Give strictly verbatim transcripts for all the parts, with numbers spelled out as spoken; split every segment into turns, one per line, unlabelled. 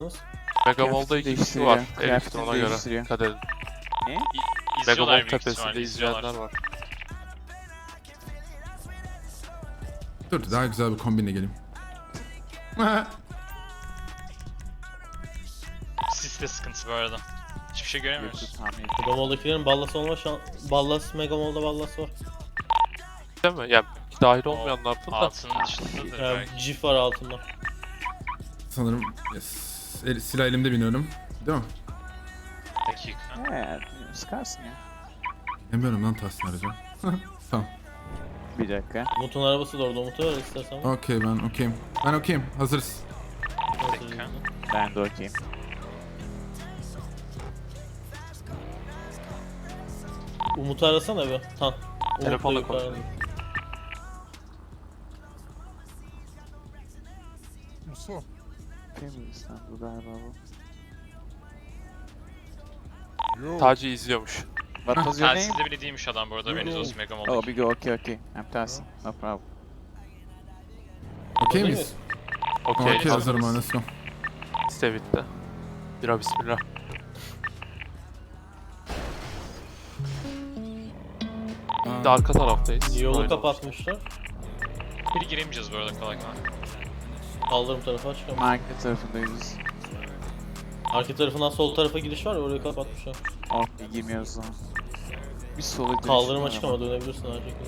Megamall'da iki kişi var. Elif'in
Kıyafetini
ona göre.
değiştiriyor.
Dikkat edin.
Ne?
İzliyorlar
Megamall
büyük ihtimalle,
tepesinde
izliyorlar.
izleyenler var.
Dur daha güzel bir kombinle geleyim.
Siste sıkıntı bu arada. Hiçbir şey göremiyoruz.
Tahmin ettim.
Megamall'dakilerin ballas olma şan... Ballas, Megamall'da ballas var.
Değil mi? Yani dahil olmayanlardan da.
Altının dışındadır
Yani
belki.
Jif var altında.
Sanırım yes. El, silah elimde biniyorum. Değil mi?
Dakika.
He, sıkarsın ya.
Bilmiyorum lan Tahsin arayacağım. Tamam.
Bir dakika.
Umut'un arabası da orada. Umut'u ver istersen.
Okey ben okeyim. Ben okeyim. Hazırız.
Dakika.
Ben de okeyim.
Umut'u arasana bir. Tan. Umut
Telefonla
da yukarıda.
konuşuyorum.
Musu.
Family İstanbul galiba bu.
Yo.
Taci izliyormuş.
What was your name?
Telsizde bile değilmiş adam bu arada. Beniz olsun Mega
Oh,
Mall'daki.
Bigo, okay, okay. I'm Tahsin. No problem.
Okey
Değil
miyiz?
Okey.
Okey
Okay,
hazırım ben. Let's go.
Liste bitti. Bira bismillah. Bir de arka taraftayız.
Yolu
Aynen.
kapatmışlar.
Biri giremeyeceğiz bu arada kolay kolay.
Kaldırım tarafa çıkalım.
Market tarafındayız.
Arka tarafından sol tarafa gidiş var ya, orayı kapatmışlar.
Okay, girmiyoruz o zaman. Bir sola dönüş
Kaldırım
var
açık
ama.
ama dönebilirsin her şekilde.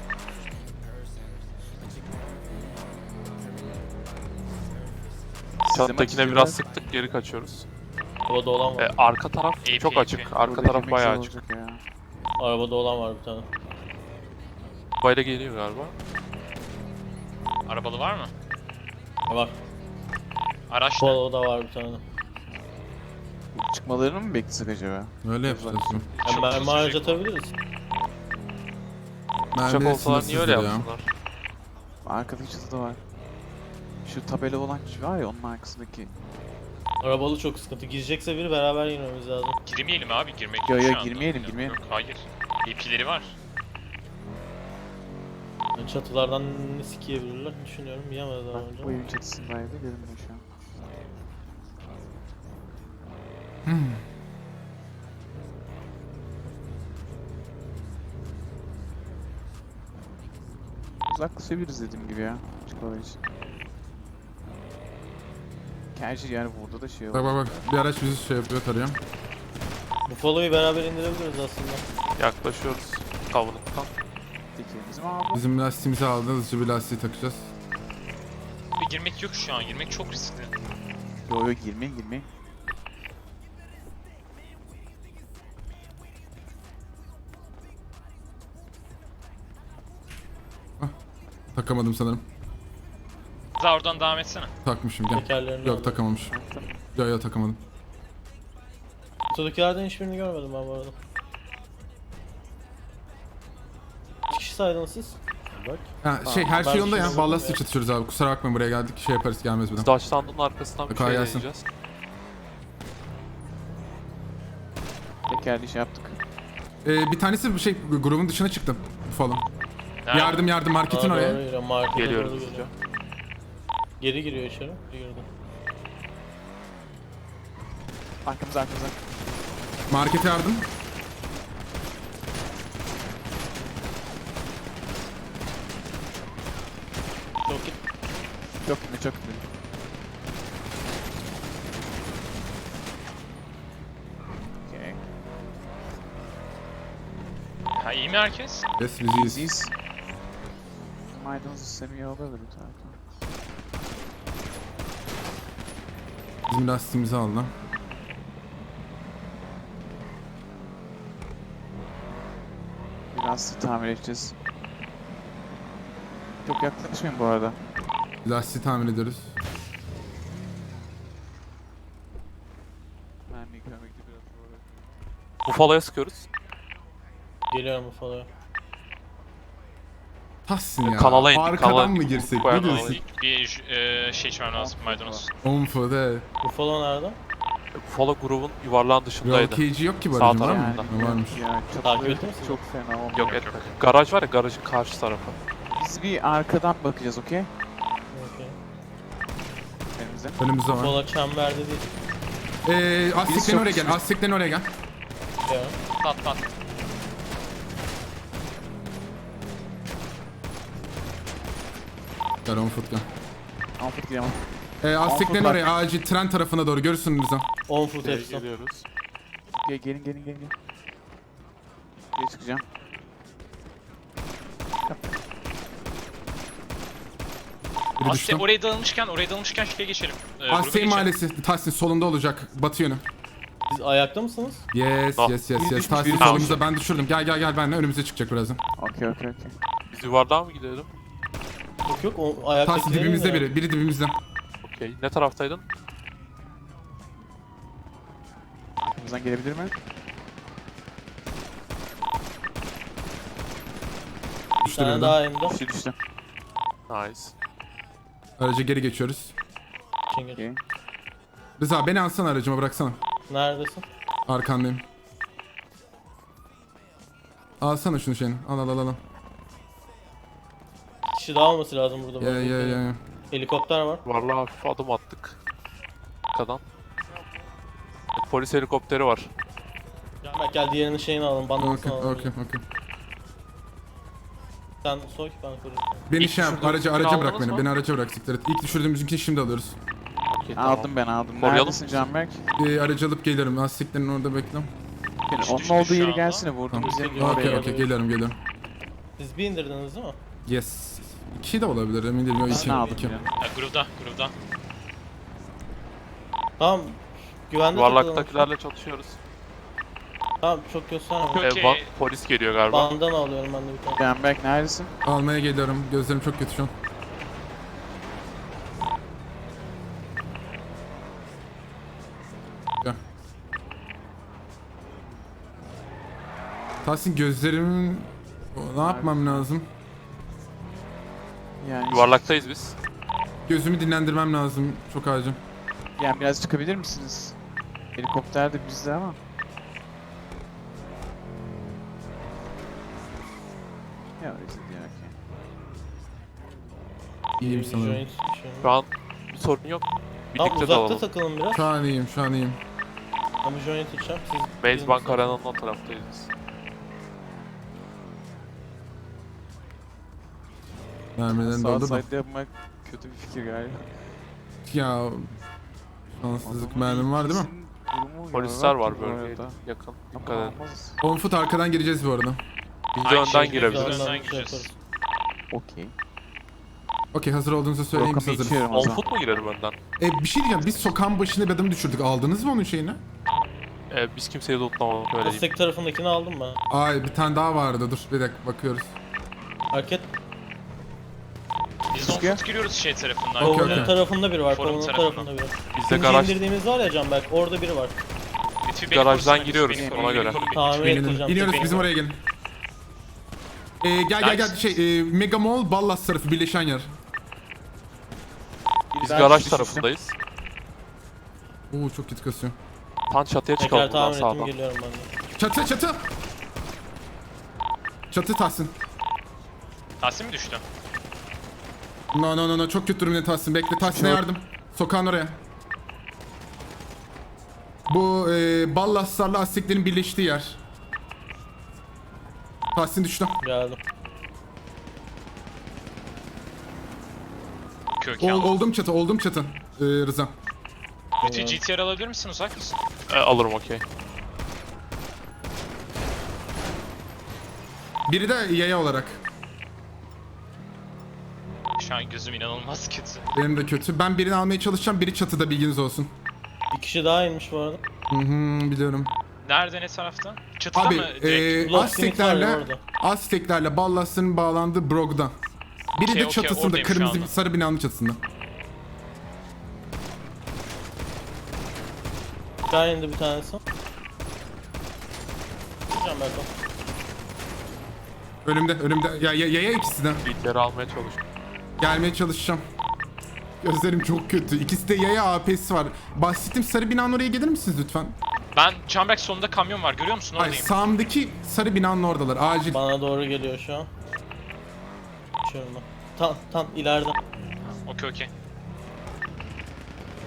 Çattakine
açılıyor.
biraz sıktık geri kaçıyoruz.
Arabada olan
E,
var.
arka taraf
A P,
çok
A P.
açık. Arka
Buradaki
taraf bayağı
mekse
açık.
olacak ya.
Arabada olan var bir tane.
Bayla geliyor galiba.
Arabalı var mı?
Var.
Araç ne?
Polo'da var bir tane.
Çıkmalarını mı beklesek acaba?
Öyle yapacağız. şimdi.
Yani
Çok
mermi
hızlı
harcatabiliriz.
Uçak
Mermi
olsalar niye öyle
sınırsızdır ya.
yapsınlar?
Arkada çatıda var. Şu tabela olan kişi var ya onun arkasındaki.
Arabalı çok sıkıntı. Girecekse biri beraber girmemiz lazım.
Girmeyelim abi girmek
Yo,
yok
yo,
şu anda.
girmeyelim,
Yok,
girmeyelim.
Yok hayır. A P'leri var.
Yani çatılardan ne sikeyebilirler düşünüyorum. Yiyemez daha
Bak
önce.
bu evin çatısındaydı görünmüyor şu an. Uzaklaşabiliriz dediğim gibi ya. Çıkmalar için. Gerçi yani burada da şey
Bak
olur.
bak bak. Bir araç bizi şey yapıyor tarıyor.
Buffalo'yu beraber indirebiliriz aslında.
Yaklaşıyoruz. Kavunluktan.
Tekerimiz mi abi?
Bizim lastiğimizi aldı. Hızlıca bir lastiği takacağız.
Bir girmek yok şu an. Girmek çok riskli.
Yo yo girmeyin girmeyin.
Takamadım sanırım.
Daha oradan devam etsene.
Takmışım gel.
Tekerlerini
Yok
aldım.
takamamışım.
Tamam.
Yok yok takamadım.
Kutudakilerden hiçbirini görmedim ben bu arada. Kaç kişi saydınız siz? Bak.
Ha, şey her
ben
şey yolunda
şey
ya.
buldum
Ballastığı
ya.
çatışıyoruz abi. Kusura bakmayın buraya geldik. Şey yaparız gelmez bir
Biz
daha.
Dutchland'ın arkasından bir
Kolay
şey
gelsin.
deneyeceğiz.
Tekerli şey yaptık.
Ee, bir tanesi bir şey grubun dışına çıktı falan.
Nerede?
Yardım yardım marketin
Aa,
oraya.
doğru giriyor, markete
Geliyoruz
doğru
hızlıca.
geliyor. Geri giriyor içeri. Geri girdi.
Arkamıza arkamıza.
Markete yardım.
Çok git.
Çok iyi çok iyi. Okay.
Ha iyi mi herkes?
Yes biz iyiyiz.
Biz maydanozu semiye alırdı bir tane.
Bizim lastiğimizi aldı.
Biraz tamir edeceğiz. Çok yaklaşmayın bu arada.
Lastiği tamir ediyoruz.
Ben yıkamekte biraz zor.
Buffalo'ya sıkıyoruz.
Geliyorum Buffalo'ya.
Tahsin ya.
Kanala indik,
Arkadan
kanala
mı
indik.
girsek?
Bayağı
Ne diyorsun?
İlk bir e, şey içmem lazım maydanoz.
Onfo de.
Buffalo nerede?
Buffalo grubun yuvarlağın dışındaydı.
Roll yok ki bu
Sağ
aracın var mı?
tarafında.
Ha, varmış.
Ya
Takip
çatıları
ettin mi siz?
çok fena olmuyor.
Yok etmedik. Garaj var ya garajın karşı tarafı.
Biz bir arkadan bakacağız okey?
Okey.
bize.
Önümüzde var.
Sola çemberde değil.
Ee, Azteklerin
çok
oraya gel.
güçlü.
Azteklerin oraya gel.
Ya.
Pat pat.
Gel on foot gel.
Alfred diyemem.
Ee, Azteklerin
bak.
oraya acil tren tarafına doğru görürsün Rıza.
on foot
Geri
hepsi.
geliyoruz.
Gel, gelin gelin gelin. gelin. Geri çıkacağım.
Biri
Asya
düştü.
oraya dağılmışken, oraya dağılmışken şuraya geçelim. Ee, gruba
Asya
geçelim.
Mahallesi. Tahsin solunda olacak. Batı yönü.
Siz ayakta mısınız?
Yes
Ah.
yes yes
Biri
yes.
düşmüş,
Tahsin
biri
solumuzda ben düşürdüm. Gel gel gel benimle önümüze çıkacak birazdan.
Okey okey okey.
Biz yuvarlığa mı gidelim?
Yok yok o ayakta.
Tahsin dibimizde biri. Biri dibimizde.
Okey. Ne taraftaydın?
Arkamızdan gelebilir mi?
Bir
Düştü
tane
biri
daha
de.
elimde.
Düştü düştü.
Nice.
Araca geri geçiyoruz.
Çingir.
Okey.
Rıza beni alsana aracıma bıraksana.
Neredesin?
Arkandayım. Alsana şunu şeyini. Al al al al.
Bir kişi daha olması lazım burada.
Ya ya ya ya.
Helikopter var.
Yuvarlığa hafif adım attık. Arkadan. Polis helikopteri var.
Bak gel diğerinin şeyini alalım. Bandasını
Okey
alalım.
okey okey.
Sen soy ben koruyayım.
Beni
İlk
şey yap,
düşürdüğümüzkini
araca araca bırak
aldınız
beni.
mı?
Beni araca bırak siktir et. İlk düşürdüğümüzünkini şimdi alıyoruz.
Okey, tamam.
Aldım ben aldım.
Koruyalım
Neredesin
mı?
Canberk?
Ee, aracı alıp gelirim. Lastiklerin orada bekle.
Yani
Düştü,
onun
düştü
olduğu
şu
yeri
anda.
gelsene vurduğumuz
Tamam.
yerin oraya.
Okey okey geliyorum geliyorum.
Siz bir indirdiniz değil mi?
Yes. İki de olabilir emin değilim. Yok,
Ben
iki.
ne aldım
iki.
ya?
Ha, grubda, grubda.
Tamam. Güvende takılalım.
Yuvarlaktakilerle çatışıyoruz.
Tamam çok gösterme.
Okey.
Ee, ba- polis geliyor galiba.
Bandana alıyorum ben de bir tane.
Canberk neredesin?
Almaya geliyorum. Gözlerim çok kötü şu an. Gel. Tahsin gözlerimin... Ne yapmam lazım?
Yani,
Yuvarlaktayız biz.
Gözümü dinlendirmem lazım. Çok acil.
yani biraz çıkabilir misiniz? Helikopter de bizde ama. Ya öyle diyor ki.
İyiyim sanırım.
Joint bir şey.
Şu an bir sorun yok.
Tamam
Birlikte
uzakta
dalalım.
takılın biraz.
Şu an iyiyim, şu an iyiyim.
Ama joint içeceğim. Siz
Maze Bank
birinci-
Arena'nın o taraftayız biz.
Mermilerini
Sağ
doldur da.
side yapmak kötü bir fikir galiba.
Ya... Şanssızlık mermim var değil mi?
Durumu
Polisler
yarar
var
bu
böyle
arada.
yakın.
Ama
Dikkat edin.
olmaz.
on foot arkadan gireceğiz bu arada.
Biz de
Aynı
önden
şekilde
girebiliriz.
önden
Önden
gireceğiz.
şey yaparız.
Okey.
Okey hazır olduğunuzu söyleyin biz
Rokamı
hazırız.
içiyorum o
On
zaman.
foot mu girelim önden?
E, bir şey diyeceğim biz sokağın başına bir adamı düşürdük. Aldınız mı onun şeyini?
Ee, biz kimseyi tutlamadık öyle diyeyim.
Aztek tarafındakini aldım ben.
Ay bir tane daha vardı dur bir dakika bakıyoruz.
Hareket.
Biz on
Çıkıyor.
foot giriyoruz şey tarafından.
Okey,
Kolunun
okey.
tarafında biri var.
Forum
Kolunun
tarafından.
tarafında biri.
Biz de
İkinci
garaj,
indirdiğimiz var ya Canberk. Orada biri var.
Lütfi beni
garajdan
korusana,
giriyoruz,
lütfi beni
ona
koru, beni
göre.
koru, beni
Tamir
koru.
İnelim.
ettireceğim.
İniyoruz
Tek
bizim
beni-
oraya gelin. E, gel gel gel şey e, Mega Mall Ballas tarafı birleşen yer.
Biz
Ben
garaj
düştüm.
tarafındayız.
Oo çok kötü kasıyor.
Tam çatıya
Tekrar
çıkalım buradan
tamir ettim
sağdan.
geliyorum ben de.
Çatı çatı. Çatı Tahsin.
Tahsin mi düştü?
No no no no çok kötü durumda Tahsin. Bekle Tahsin'e
Çok-
yardım. Sokağın oraya. Bu e, Ballaslarla Azteklerin birleştiği yer. Tahsin düştü.
Geldim.
Köken.
Ol, oldum çatı, oldum çatı. Ee, Rıza.
Lütfi G T R alabilir misin? Uzak mısın?
Ee, alırım okey.
Biri de yaya olarak.
Şu an gözüm inanılmaz kötü.
Benim de kötü. Ben birini almaya çalışacağım. Biri çatıda bilginiz olsun.
Bir kişi daha inmiş bu arada.
Hı hı biliyorum.
Nerede, ne tarafta? Çatıda
Abi
mı? Direkt.
e,
Block Smith var ya
Azteklerle
orada.
Azteklerle Ballas'ın bağlandığı Brog'da. Biri
Okey,
de
okey,
çatısında,
oradayım şu
kırmızı
anda.
sarı binanın çatısında.
Daha indi bir tanesi. Canberk o.
Önümde, önümde. Ya, ya yaya ikisi de.
Bilgileri almaya çalış.
Gelmeye çalışacağım. Gözlerim çok kötü. İkisi de yaya A P'si var. Bahsettiğim sarı binanın oraya gelir misiniz lütfen?
Ben Canberk sonunda kamyon var, görüyor musun?
Ay
Oradayım.
sağımdaki sarı binanın oradalar. Acil.
Bana doğru geliyor şu an. Geçiyorum ben. Tam tam ileride.
Okey okey.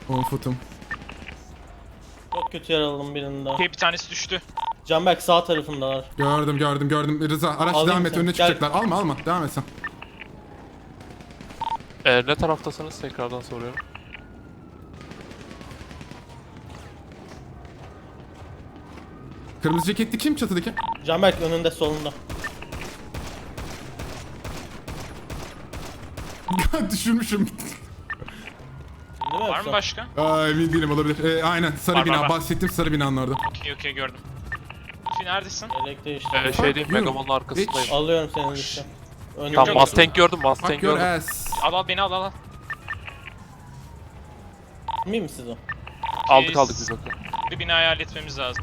on footum.
Çok kötü yaraladım birini daha.
Okey, bir tanesi düştü.
Canberk sağ tarafındalar.
Gördüm gördüm gördüm. Rıza araç
Alayım
devam et,
sen.
önüne
Gel.
çıkacaklar. Alma alma, devam et sen.
Ee, ne taraftasınız tekrardan soruyorum.
Kırmızı ceketli kim çatıdaki?
Canberk önünde solunda.
Düşürmüşüm.
Değil mi
Var mı
yoksa?
başka?
Aa, emin değilim, olabilir. Ee, aynen sarı
Var,
bina,
var, var.
bahsettiğim sarı binanın orada.
Okey okey gördüm. Lütfi neredesin?
Yelek değişti.
Ee, şey diyeyim,
you.
Megamon'un arkasındayım.
Hiç.
Alıyorum senin liste. Önümde.
Tamam,
Yok,
Mustang gördüm, Mustang
Fuck your
gördüm.
ass.
Al al beni al al al.
Miyim siz o?
Aldık aldık biz okey.
Bir binayı halletmemiz lazım.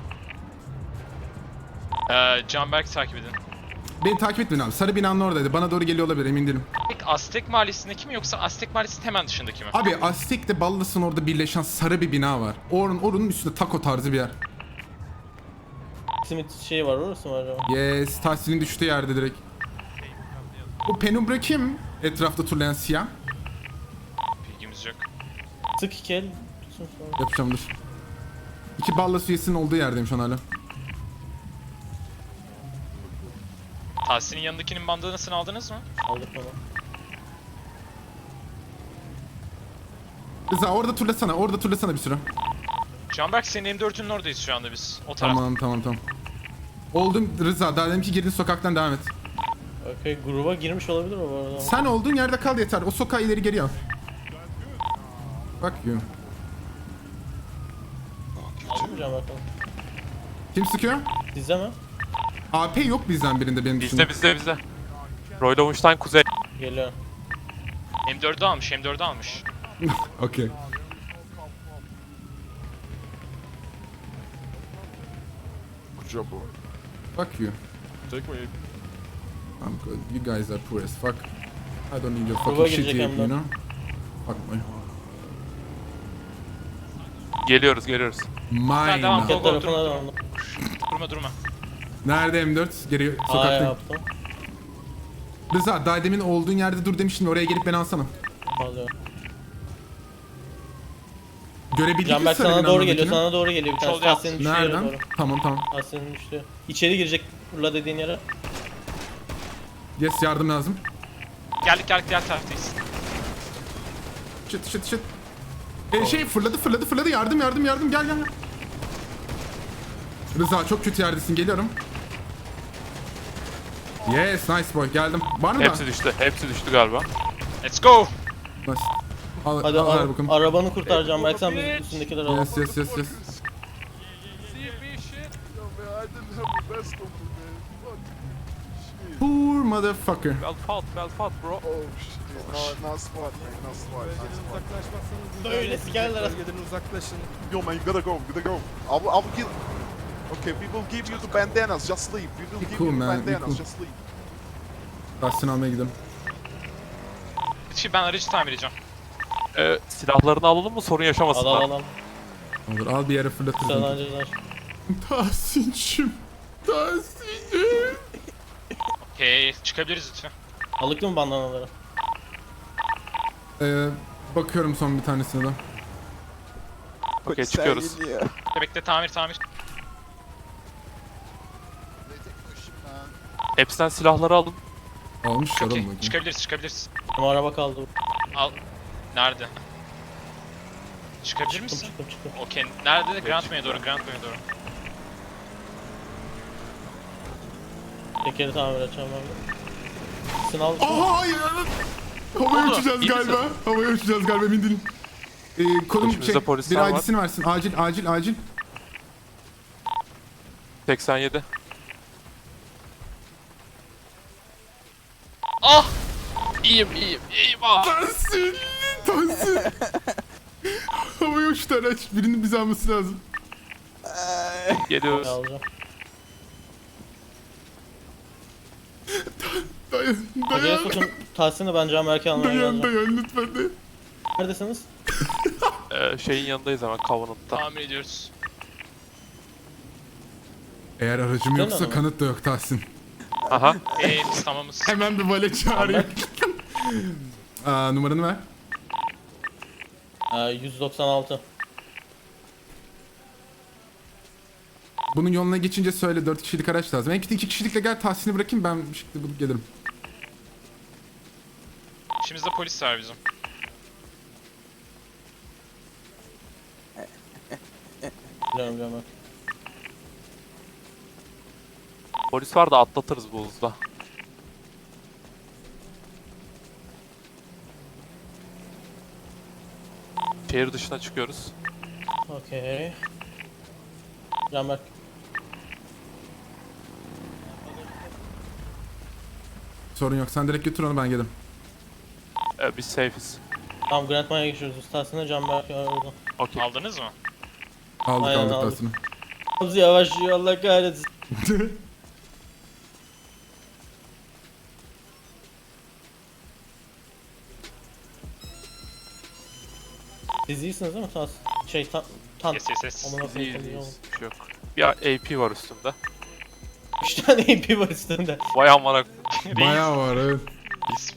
Ee, Canberk takip edin.
Beni takip etmeyin abi. Sarı binanın oradaydı. Bana doğru geliyor olabilir, emin değilim.
Peki Aztek Mahallesi'ndeki mi yoksa Aztek Mahallesi'nin hemen dışındaki mi?
Abi Aztek'le Ballas'ın orada birleşen sarı bir bina var. Orun, orunun üstünde taco tarzı bir yer.
Simit şey var, orası mı acaba?
Yes, Tahsin'in düştüğü yerde direkt. Bu Penumbra kim? Etrafta turlayan siyah.
Bilgimiz yok.
Sık iki el. Tutsun sonra.
Yapacağım dur. İki Ballas üyesinin olduğu yerdeyim şu an hala.
Tahsin'in yanındakinin bandanasını aldınız mı?
Aldık onu.
Rıza orada turlasana, orada turlasana bir süre.
Canberk senin M dört'ünün oradayız şu anda biz. O taraf.
Tamam tamam tamam. Oldum Rıza, daha dedim ki girdin sokaktan devam et.
Okey, gruba girmiş olabilir o bu arada.
Sen olduğun yerde kal yeter, o sokağı ileri geri al. Bak you.
Aldın mı Canberk onu?
Kim sıkıyor?
Sizde mi?
A P yok bizden birinde benim dışında.
Bizde bizde bizde. Roy Lowenstein kuzey.
Geliyor.
M dört'ü almış, M dört'ü almış.
Okey.
Good job, bro.
Fuck you.
Take me.
I'm good. You guys are poor as fuck. I don't need your
Gruba
fucking shit
girecek
you
hem de.
know? Fuck my.
Geliyoruz geliyoruz.
Mine.
devam,
Market
Go, go,
tarafına
dur.
döndüm.
Durma durma.
Nerede M dört? Geri
Aa
sokakta.
yaptım.
Rıza daha demin olduğun yerde dur demiştin, oraya gelip beni alsana.
Alıyorum.
Görebildik mi
Canberk
sarı
sana
binanın
doğru geliyor,
oradakini?
sana doğru geliyor. Bir tanesi
Sol yap.
Tahsin'in düştüğü yere
Nereden?
doğru.
Tamam tamam.
Tahsin'in düştüğü. İçeri girecek Urla dediğin yere.
Yes, yardım lazım.
Geldik geldik diğer taraftayız.
Şıt şıt şıt. E, şey fırladı fırladı fırladı, yardım yardım yardım, gel gel. gel. Rıza çok kötü yerdesin, geliyorum. Yes, nice boy, geldim. Var mı
Hepsi
da?
düştü. Hepsi düştü galiba.
Let's go.
Nice. Al,
Hadi
al,
ara-
ver bakalım.
arabanı kurtar Canberk, sen bizim üstündekileri al.
Yes yes yes yes.
See me shit. Yo, man, I didn't have the best of them, man. Fuck. Shit.
Poor motherfucker.
Well fought, well fought bro.
Oh, shit. No, not smart, man. Not smart. Not smart.
Böyle sikerler.
Yo, man, you gotta go. You gotta go. I will, I will give... Okay, we will give you the bandanas. Just leave. We will
Be
give
cool,
you the
man, be
bandanas.
cool.
Just leave.
Tahsin almaya gidelim.
Şimdi ben aracı tamir edeceğim.
Ee, silahlarını alalım mı sorun
Al
yaşamasınlar.
al al.
Olur, al bir yere fırlatırız.
Sen
onu.
acılar.
Tahsin'cim. Tahsin'cim.
Okey çıkabiliriz lütfen.
Alıktın mı bandanaları?
Ee, bakıyorum son bir tanesine de.
Okey çıkıyoruz.
Bekle bekle tamir tamir.
Hepsinden silahları alın.
Almışlar
Okey
oğlum.
çıkabiliriz çıkabiliriz.
Ama araba kaldı.
Al. Nerede? Çıkabilir
Çıktım
misin?
çıktım çıktım.
Okey. Nerede? Grand May'e doğru, Grand May'e doğru.
Tekeri tamir edeceğim ben. Sınav.
Aa hayır. Havaya
oldu?
uçacağız
İyi
galiba. Havaya uçacağız galiba, emin değilim. Ee, konum
İçimizde
şey,
polisler
bir
var.
I D'sini versin. Acil acil acil.
seksen yedi.
Ah!
İyiyim iyiyim iyiyim ah.
Tahsin. Tahsin. Havaya uçtu araç. Birinin bizi alması lazım.
Geliyoruz.
Alacağım.
Dayan
Acele
dayan.
sokun. Tahsin'i ben Canberk'i almaya
Dayan
geleceğim.
dayan lütfen dayan.
Neredesiniz?
Ee, şeyin yanındayız hemen Covenant'ta.
Tamir ediyoruz.
Eğer aracım
Sen
yoksa
ama.
kanıt da yok Tahsin.
Aha.
Eee biz tamamız.
Hemen bir vale çağırayım. Aa, numaranı ver.
Ee, yüz doksan altı.
Bunun yoluna geçince söyle, dört kişilik araç lazım. En kötü iki kişilikle gel, Tahsin'i bırakayım, ben bir şekilde bulup gelirim.
İçimizde polis var bizim.
Biliyorum biliyorum ben.
Polis var da atlatırız bu hızda. Şehir dışına çıkıyoruz.
Okey. Canberk.
Sorun yok, sen direkt götür onu, ben gelirim.
Ee, biz safe'iz.
Tamam Grand Mine'a geçiyoruz. Tahsin'e Canberk var orada.
Okey.
Aldınız mı?
Aldık
Aynen,
aldık
aldık.
Tahsin'i.
Hızlı yavaşlıyor Allah kahretsin. Siz iyisiniz değil mi Tahsin? Şey tan... tan...
Yes yes yes.
Amına
Biz
koyayım,
iyiyiz,
iyi
iyiyiz. Bir şey yok. Bir A P var üstümde.
Üç tane A P var üstünde.
Vay amına.
Bayağı var evet.
Reis